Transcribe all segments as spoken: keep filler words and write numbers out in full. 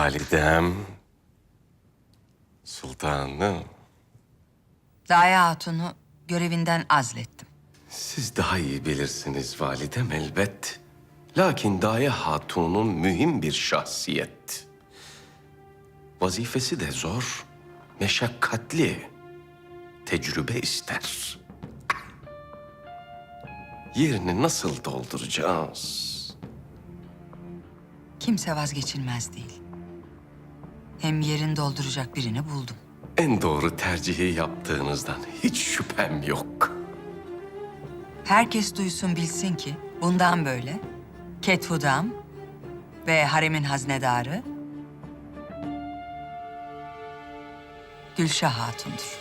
Validem, sultanım. Daye Hatun'u görevinden azlettim. Siz daha iyi bilirsiniz validem elbet. Lakin Daye Hatun'un mühim bir şahsiyet. Vazifesi de zor, meşakkatli, tecrübe ister. Yerini nasıl dolduracağız? Kimse vazgeçilmez değil. Hem yerini dolduracak birini buldum. En doğru tercihi yaptığınızdan hiç şüphem yok. Herkes duysun bilsin ki bundan böyle Kethudam ve haremin haznedarı Gülşah Hatun'dur.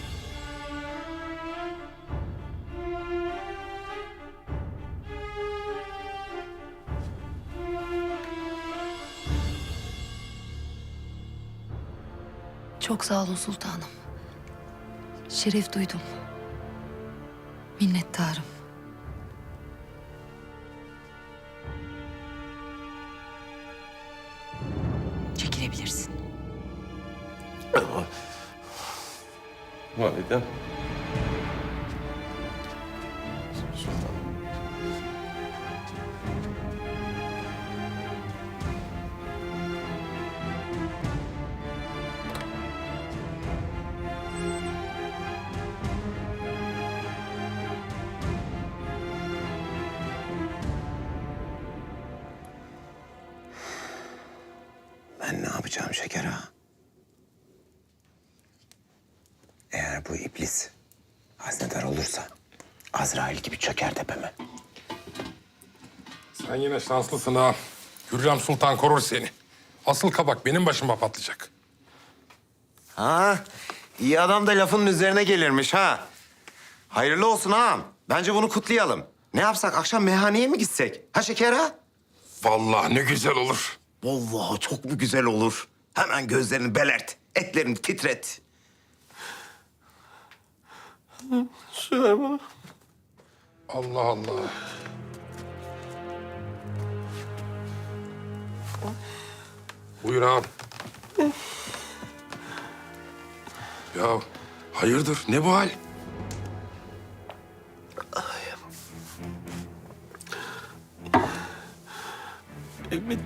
Çok sağ olun sultanım. Şeref duydum. Minnettarım. Çekilebilirsin. Validem. Sultanım. Ben ne yapacağım şeker ağa? Eğer bu iblis haznedar olursa Azrail gibi çöker tepeme. Sen yine şanslısın ha. Hürrem Sultan korur seni. Asıl kabak benim başıma patlayacak. Ha, iyi adam da lafının üzerine gelirmiş ha. Hayırlı olsun ağam. Bence bunu kutlayalım. Ne yapsak, akşam meyhaneye mi gitsek? Ha şeker ağa? Vallahi ne güzel olur. Vallahi çok mu güzel olur. Hemen gözlerini belert, etlerini titret. Süleyman. Allah Allah. Buyur ağam. Ya hayırdır ne bu hal? Bittim.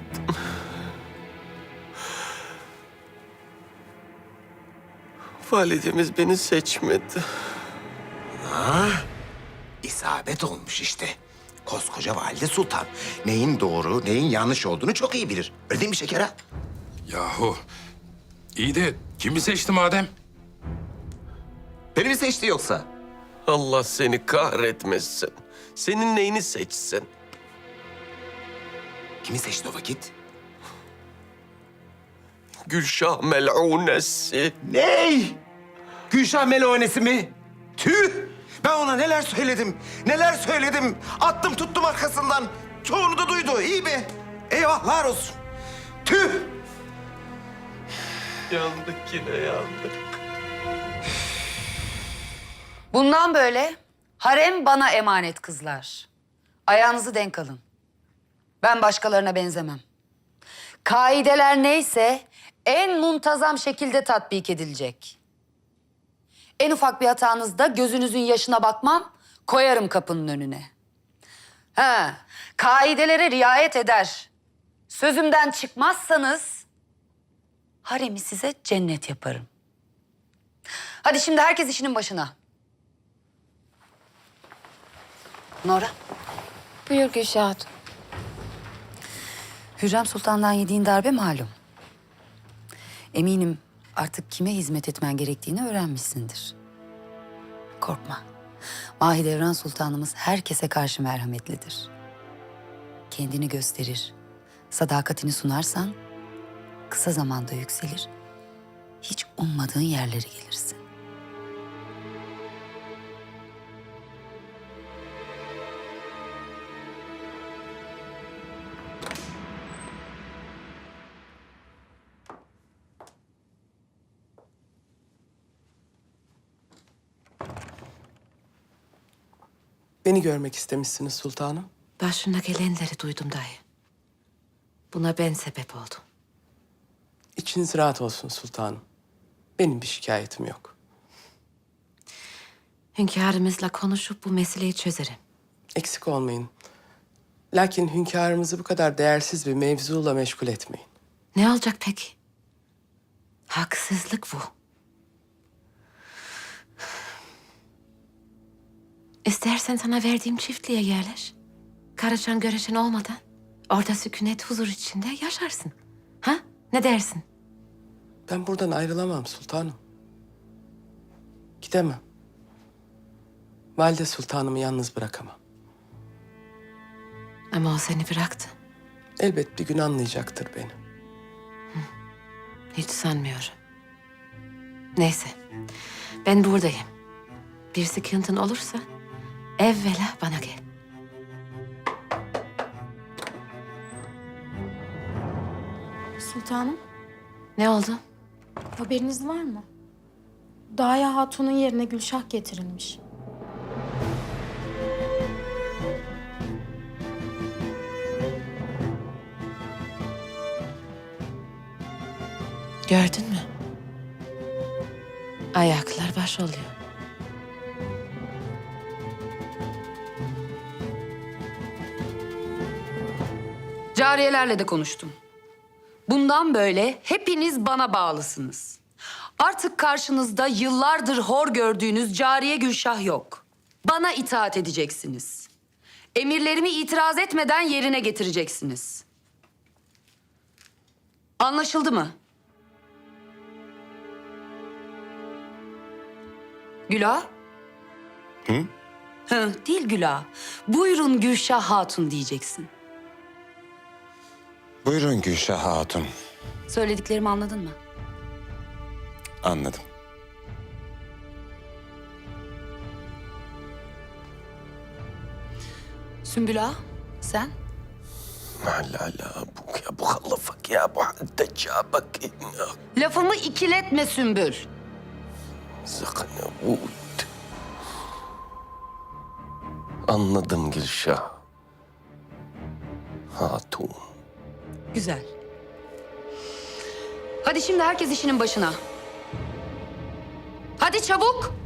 Validemiz beni seçmedi. Ha? İsabet olmuş işte. Koskoca valide sultan. Neyin doğru, neyin yanlış olduğunu çok iyi bilir. Öyle değil mi şeker ağa? Yahu iyi de kimi seçti madem? Beni mi seçti yoksa? Allah seni kahretmesin. Senin neyini seçsin? Kimi seçti o vakit? Gülşah mel'unesi. Ney? Gülşah Melonesi mi? Tüh! Ben ona neler söyledim, neler söyledim. Attım tuttum arkasından. Çoğunu da duydu, iyi mi? Eyvahlar olsun. Tüh! Yandık yine yandık. Bundan böyle harem bana emanet kızlar. Ayağınızı denk alın. Ben başkalarına benzemem. Kaideler neyse en muntazam şekilde tatbik edilecek. En ufak bir hatanızda gözünüzün yaşına bakmam, koyarım kapının önüne. Ha, kaidelere riayet eder. Sözümden çıkmazsanız haremi size cennet yaparım. Hadi şimdi herkes işinin başına. Nora. Buyur Gülşah Hatun. Hürrem Sultan'dan yediğin darbe malum. Eminim artık kime hizmet etmen gerektiğini öğrenmişsindir. Korkma. Mahidevran Sultanımız herkese karşı merhametlidir. Kendini gösterir, sadakatini sunarsan kısa zamanda yükselir, hiç ummadığın yerlere gelirsin. Beni görmek istemişsiniz sultanım. Başına gelenleri duydum dayı. Buna ben sebep oldum. İçiniz rahat olsun sultanım. Benim bir şikayetim yok. Hünkârımızla konuşup bu meseleyi çözerim. Eksik olmayın. Lakin hünkârımızı bu kadar değersiz bir mevzuyla meşgul etmeyin. Ne olacak peki? Haksızlık bu. İstersen sana verdiğim çiftliğe yerleş. Karışan göreşen olmadan orada sükunet huzur içinde yaşarsın. Ha? Ne dersin? Ben buradan ayrılamam sultanım. Gidemem. Valide sultanımı yalnız bırakamam. Ama o seni bıraktı. Elbet bir gün anlayacaktır beni. Hiç sanmıyorum. Neyse. Ben buradayım. Bir sıkıntın olursa evvela bana gel. Sultanım, Ne oldu? haberiniz var mı? Daya Hatun'un yerine Gülşah getirilmiş. Gördün mü? Ayaklar baş oluyor. Cariyelerle de konuştum. Bundan böyle hepiniz bana bağlısınız. Artık karşınızda yıllardır hor gördüğünüz cariye Gülşah yok. Bana itaat edeceksiniz. Emirlerimi itiraz etmeden yerine getireceksiniz. Anlaşıldı mı? Gülah? Hı? Hı, değil Gülah. Buyurun Gülşah Hatun diyeceksin. Buyurun Gülşah Hatun. Söylediklerimi anladın mı? Anladım. Sümbül Ağa, sen? La la la bu ya bu halafak ya bu haddecca bak ya. Lafımı ikiletme Sümbül. Sakın bu. Anladım Gülşah. Hatun. Güzel. Hadi şimdi herkes işinin başına. Hadi çabuk.